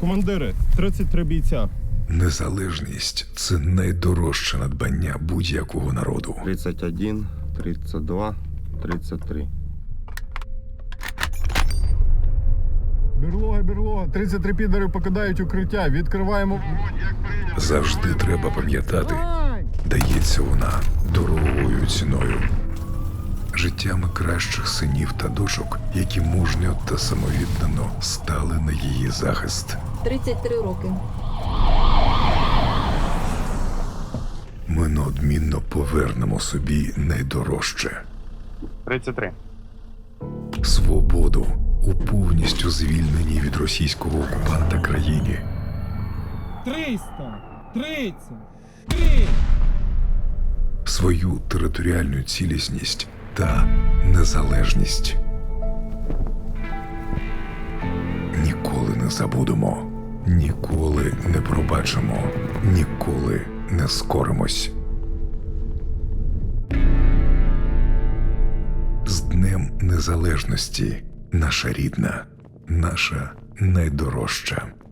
Командири, 33 бійця. Незалежність – це найдорожче надбання будь-якого народу. 31, 32, 33. Берлога, 33 підари покидають укриття. Відкриваємо. Завжди треба пам'ятати, дається вона дорогою ціною. Життями кращих синів та дочок, які мужньо та самовіддано стали на її захист. 33 роки. Ми неодмінно повернемо собі найдорожче. 33. Свободу у повністю звільненій від російського окупанта країні. 333. Свою територіальну цілісність та незалежність. Ніколи не забудемо, ніколи не пробачимо, ніколи не скоримось. З Днем Незалежності, наша рідна, наша найдорожча.